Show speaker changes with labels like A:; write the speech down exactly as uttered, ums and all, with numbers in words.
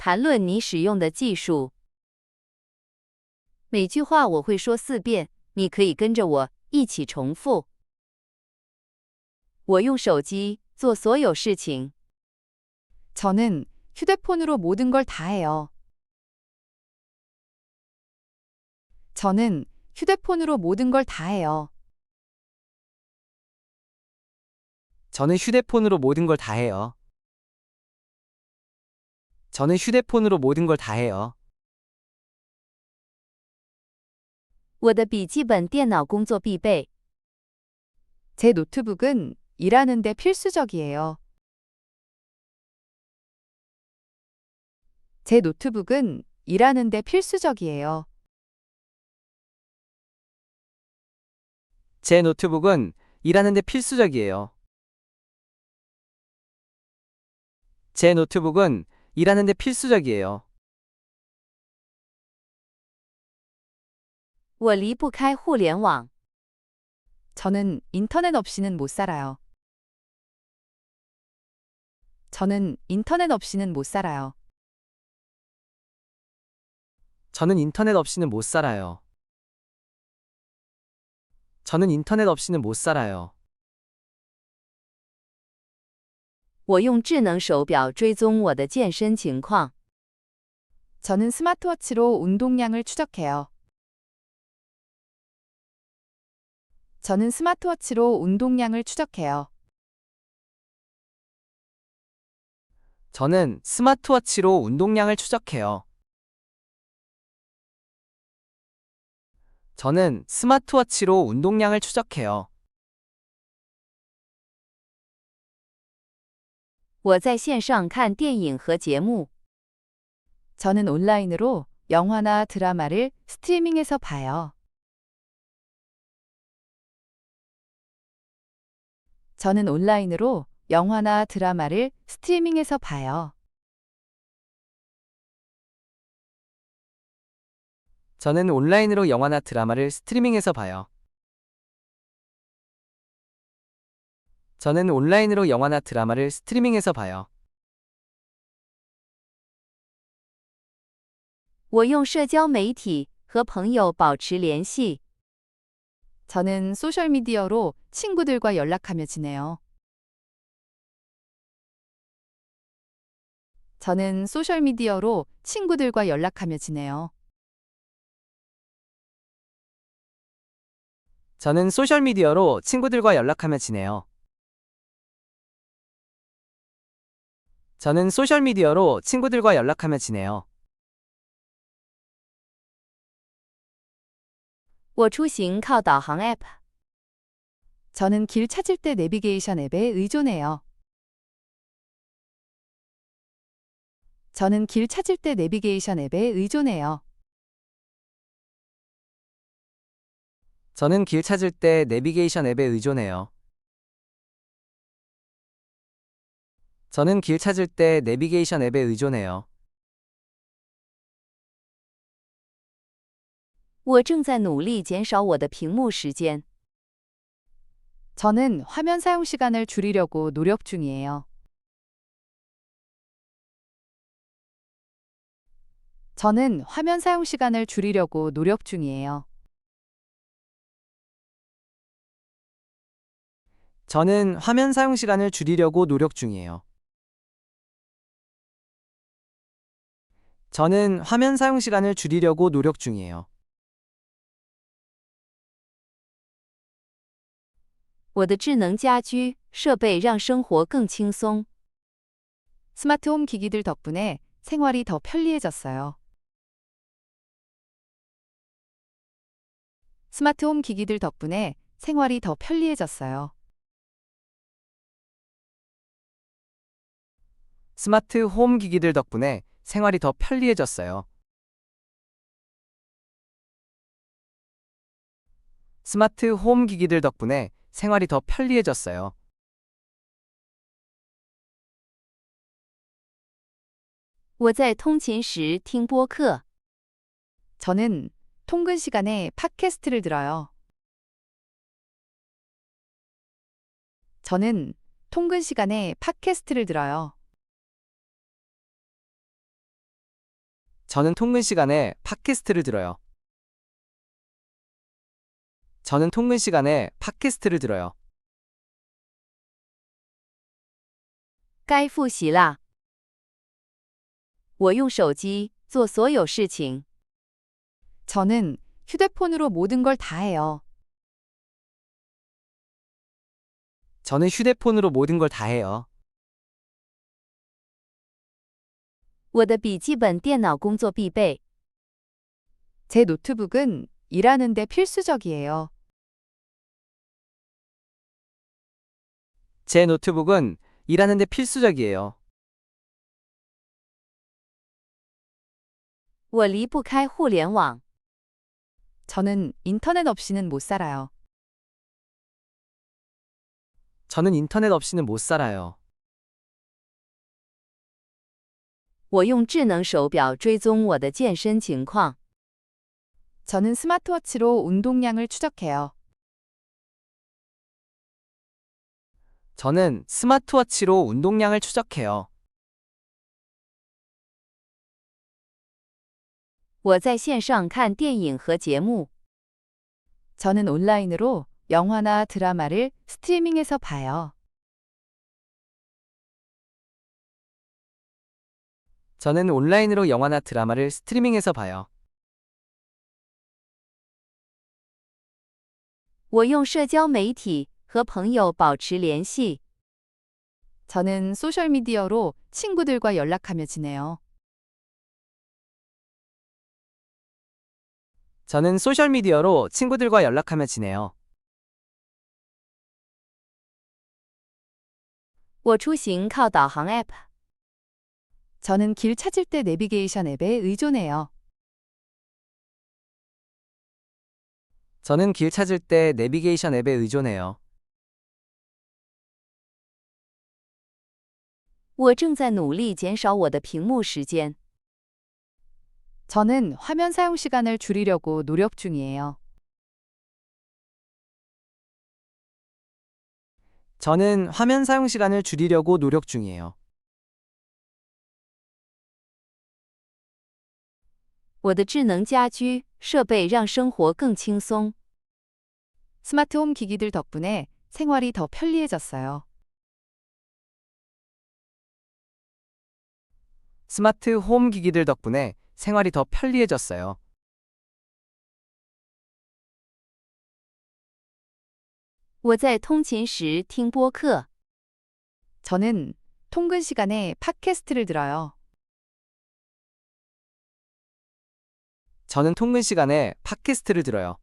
A: 谈论你使用的技术。每句话我会说四遍，你可以跟着我一起重复。我用手机做所有事情。
B: 저는 휴대폰으로 모든 걸 다 해요. 저는 휴대폰으로 모든 걸 다 해요.
C: 저는 휴대폰으로 모든 걸 다 해요. 저는 휴대폰으로 모든 걸 다 해요.
A: 我的笔记本电脑工作必备。
B: 제 노트북은 일하는데 필수적이에요. 제 노트북은 일하는데 필수적이에요.
C: 제 노트북은 일하는데 필수적이에요. 제 노트북은 일하는데 필수적이에요.
A: 我离不开互联网。
B: 저는 인터넷 없이는 못 살아요. 저는 인터넷 없이는 못 살아요.
C: 저는 인터넷 없이는 못 살아요. 저는 인터넷 없이는 못 살아요.
A: 我用智能手表追踪我的健身情况。
B: 저는 스마트워치로 운동량을 추적해요. 저는 스마트워치로 운동량을 추적해요.
C: 저는 스마트워치로 운동량을 추적해요. 저는 스마트워치로 운동량을 추적해요.
A: 我在线上看电影和节目。
B: 저는 온라인으로 영화나 드라마를 스트리밍해서 봐요. 저는 온라인으로 영화나 드라마를 스트리밍해서 봐요.
C: 저는 온라인으로 영화나 드라마를 스트리밍해서 봐요. 저는 온라인으로 영화나 드라마를 스트리밍해서 봐요.
A: 我用社交媒体和朋友保持联系。
B: 저는 소셜미디어로 친구들과 연락하며 지내요. 저는 소셜미디어로 친구들과 연락하며 지내요.
C: 저는 소셜미디어로 친구들과 연락하며 지내요. 저는 소셜미디어로 친구들과 연락하며 지내요.
A: 我出行靠导航 App。
B: 저는 길 찾을 때 내비게이션 앱에 의존해요. 저는 길 찾을 때 내비게이션 앱에 의존해요.
C: 저는 길 찾을 때 내비게이션 앱에 의존해요. 저는 길 찾을 때 내비게이션 앱에 의존해요.
A: 我正在努力减少我的屏幕时间。
B: 저는 화면 사용 시간을 줄이려고 노력 중이에요. 저는 화면 사용 시간을 줄이려고 노력 중이에요.
C: 저는 화면 사용 시간을 줄이려고 노력 중이에요. 저는 화면 사용 시간을 줄이려고 노력 중이에요.
A: 我的智能家居设备让生活更轻松。
B: 스마트홈 기기들 덕분에 생활이 더 편리해졌어요. 스마트홈 기기들 덕분에 생활이 더 편리해졌어요.
C: 스마트 홈 기기들 덕분에 생활이 더 편리해졌어요. 스마트 홈 기기들 덕분에 생활이 더 편리해졌어요.
A: 我在通勤时听播客。
B: 저는 통근 시간에 팟캐스트를 들어요. 저는 통근 시간에 팟캐스트를 들어요.
C: 저는 통근 시간에 팟캐스트를 들어요. 저는 통근 시간에 팟캐스트를 들어요.
A: 该复习啦。我用手机做所有事情。
B: 저는 휴대폰으로 모든 걸 다 해요.
C: 저는 휴대폰으로 모든 걸 다 해요.
A: 我的笔记本电脑工作必备。
B: 제 노트북은 일하는데 필수적이에요.
C: 제 노트북은 일하는데 필수적이에요.
A: 我离不开互联网。
B: 저는 인터넷 없이는 못 살아요.
C: 저는 인터넷 없이는 못 살아요.
A: 我用智能手表追踪我的健身情况。
B: 저는 스마트워치로 운동량을 추적해요.
C: 저는 스마트워치로 운동량을 추적해요.
A: 我在线上看电影和节目。
B: 저는 온라인으로 영화나 드라마를 스트리밍해서 봐요.
C: 저는 온라인으로 영화나 드라마를 스트리밍해서 봐요.
A: 我用社交媒体和朋友保持联系。
B: 저는 소셜미디어로 친구들과 연락하며 지내요.
C: 저는 소셜미디어로 친구들과 연락하며 지내요.
A: 我出行靠导航 App。
B: 저는 길 찾을 때 내비게이션 앱에 의존해요.
C: 저는 길 찾을 때 내비게이션 앱에 의존해요.
A: 我正在努力减少我的屏幕时间。
B: 저는 화면 사용 시간을 줄이려고 노력 중이에요.
C: 저는 화면 사용 시간을 줄이려고 노력 중이에요.
A: 我的智能家居设备让生活更轻松。
B: 스마트홈 기기들 덕분에 생활이 더 편리해졌어요.
C: 스마트 홈 기기들 덕분에 생활이 더 편리해졌어요.
A: 我在通勤时听播客。
B: 저는 통근 시간에 팟캐스트를 들어요.
C: 저는 통근 시간에 팟캐스트를 들어요.